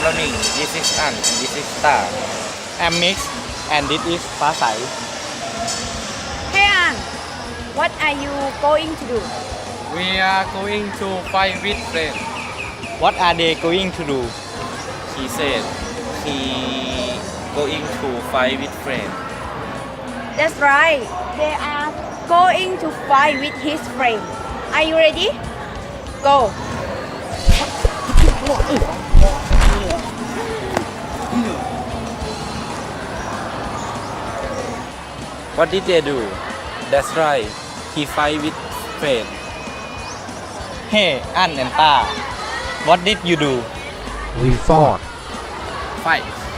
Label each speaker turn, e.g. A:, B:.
A: morning. This is An and this is Star.
B: I'm Mix and this is ฟ้าใส
C: Hey An, what are you going to do?
A: We are going to fight with friends.
B: What are they going to do
A: He said he going to fight with friends.
C: That's right. They are going to fight with his friend. Are you ready? Go.
A: What did they do? That's right. He fight with friends.
B: Hey อัน and ต้า What did you do
D: We fought.
A: Fight.